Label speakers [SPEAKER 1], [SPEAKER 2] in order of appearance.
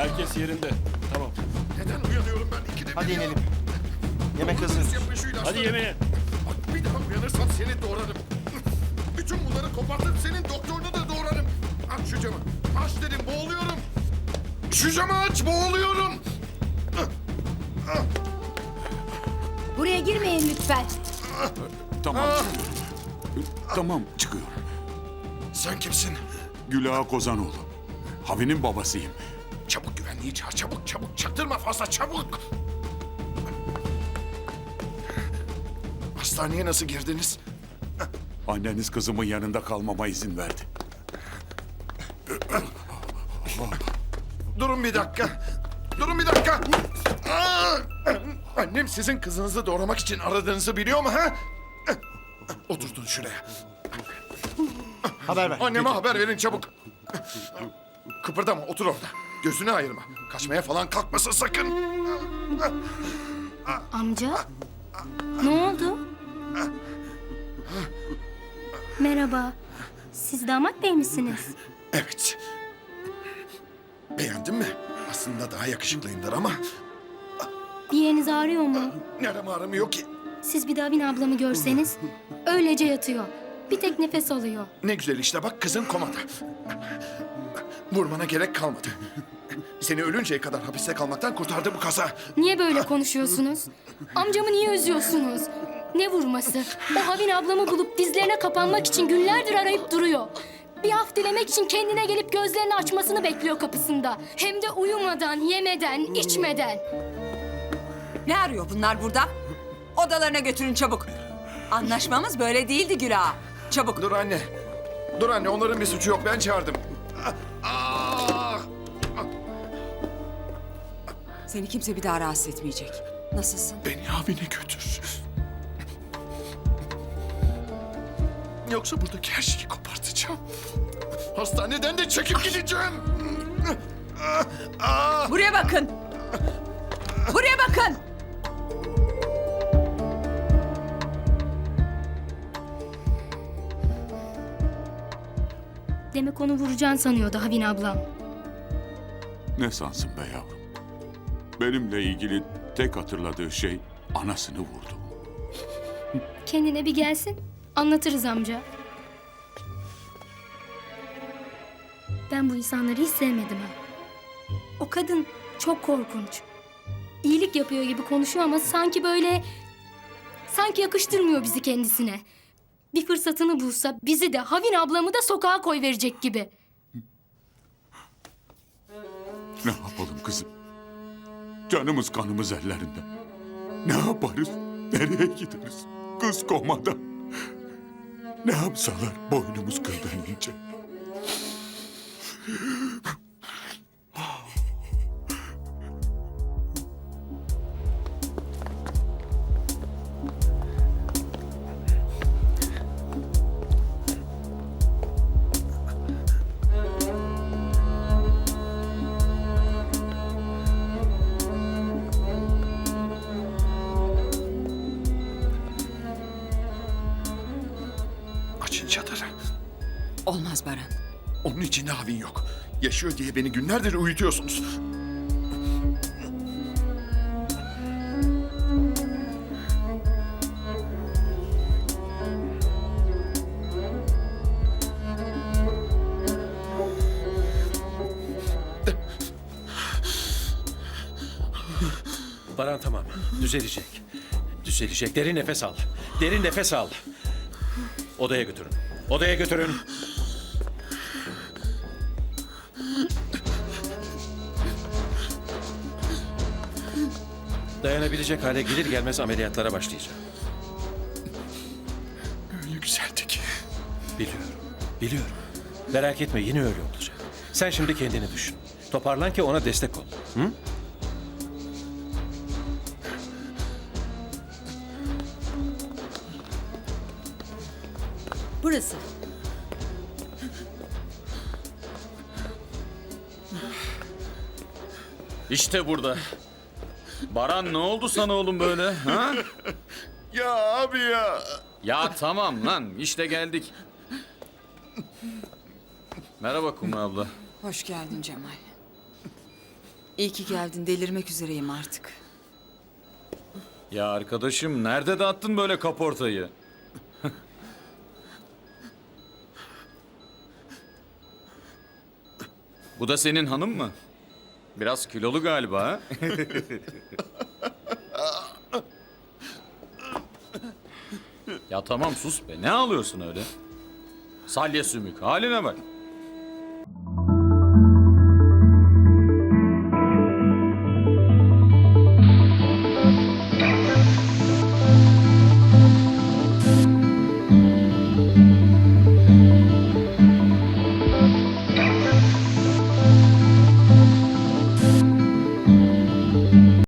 [SPEAKER 1] Herkes yerinde. Tamam.
[SPEAKER 2] Neden uyanıyorum ben ikide bir
[SPEAKER 3] Hadi
[SPEAKER 2] ya?
[SPEAKER 3] inelim. Yemek hazır.
[SPEAKER 2] Overdose yapın şu ilaçları.
[SPEAKER 1] Hadi yemeğe.
[SPEAKER 2] Bak bir daha uyanırsan seni doğrarım. Bütün bunları kopartıp senin doktorunu da doğrarım. Aç şu camı. Aç dedim, boğuluyorum. Şu camı aç, boğuluyorum.
[SPEAKER 4] Buraya girmeyin lütfen.
[SPEAKER 5] Tamam. Tamam çıkıyorum.
[SPEAKER 2] Sen kimsin?
[SPEAKER 5] Gülağa Kozanoğlu. Havi'nin babasıyım.
[SPEAKER 2] Çabuk güvenliği çağır, çabuk çabuk. Çaktırma fazla, çabuk. Hastaneye nasıl girdiniz?
[SPEAKER 5] Anneniz kızımın yanında kalmama izin verdi.
[SPEAKER 2] Durun bir dakika. Durun bir dakika. Annem sizin kızınızı doğramak için aradığınızı biliyor mu ha? Oturtun şuraya.
[SPEAKER 3] Haber ver.
[SPEAKER 2] Anneme haber verin çabuk. Kıpırdama, otur orada. Gözünü ayırma. Kaçmaya falan kalkmasın sakın.
[SPEAKER 4] Amca? Ne oldu? Merhaba. Siz damat bey misiniz?
[SPEAKER 2] Evet. Beğendin mi? Aslında daha yakışıklıyımdır ama
[SPEAKER 4] Bir yeriniz ağrıyor mu?
[SPEAKER 2] nerem ağrımıyor ki.
[SPEAKER 4] Siz bir daha Bin ablamı görseniz öylece yatıyor. Bir tek nefes alıyor.
[SPEAKER 2] Ne güzel işte bak kızın komada. Vurmana gerek kalmadı. Seni ölünceye kadar hapiste kalmaktan kurtardı bu kaza.
[SPEAKER 4] Niye böyle konuşuyorsunuz? Amcamı niye üzüyorsunuz? Ne vurması? O Havin ablamı bulup dizlerine kapanmak için günlerdir arayıp duruyor. Bir af dilemek için kendine gelip gözlerini açmasını bekliyor kapısında. Hem de uyumadan, yemeden, içmeden.
[SPEAKER 6] Ne arıyor bunlar burada? Odalarına götürün çabuk. Anlaşmamız böyle değildi Güla. Çabuk.
[SPEAKER 2] Dur anne. Dur anne onların bir suçu yok ben çağırdım.
[SPEAKER 6] Seni kimse bir daha rahatsız etmeyecek. Nasılsın?
[SPEAKER 2] Beni abine götür. Yoksa buradaki her şeyi kopartacağım. Hastaneden de çekip gideceğim.
[SPEAKER 6] Buraya bakın. Buraya bakın.
[SPEAKER 4] Demek onu vuracaksın sanıyordu Havin ablam.
[SPEAKER 5] Ne sansın be yavrum? Benimle ilgili tek hatırladığı şey anasını vurdu.
[SPEAKER 4] Kendine bir gelsin, anlatırız amca. Ben bu insanları hiç sevmedim ha. O kadın çok korkunç. İyilik yapıyor gibi konuşuyor ama sanki böyle... Sanki yakıştırmıyor bizi kendisine. Bir fırsatını bulsa bizi de Havin ablamı da sokağa koyverecek gibi.
[SPEAKER 5] Ne yapalım kızım? Canımız kanımız ellerinde. Ne yaparız? Nereye gideriz? Kız komada. Ne yapsalar boynumuz kıldan ince.
[SPEAKER 2] Açın çadırı.
[SPEAKER 6] Olmaz Baran.
[SPEAKER 2] Onun içinde havin yok. Yaşıyor diye beni günlerdir uyutuyorsunuz.
[SPEAKER 1] Baran tamam. Düzelecek. Düzelecek. Derin nefes al. Derin nefes al. Odaya götürün. Odaya götürün. Dayanabilecek hale gelir gelmez ameliyatlara başlayacağım.
[SPEAKER 2] Öyle güzeldi ki.
[SPEAKER 1] Biliyorum. Biliyorum. Merak etme yine öyle olacak. Sen şimdi kendini düşün. Toparlan ki ona destek ol. Hı?
[SPEAKER 6] Burası.
[SPEAKER 7] İşte burada. Baran ne oldu sana oğlum böyle? Ha?
[SPEAKER 2] Ya abi ya.
[SPEAKER 7] Ya tamam lan işte geldik. Merhaba Kumru abla.
[SPEAKER 6] Hoş geldin Cemal. İyi ki geldin. Delirmek üzereyim artık.
[SPEAKER 7] Ya arkadaşım nerede dağıttın böyle kaportayı? Bu da senin hanım mı? Biraz kilolu galiba ha? Ya tamam sus be. Ne ağlıyorsun öyle? Salya sümük. Haline bak.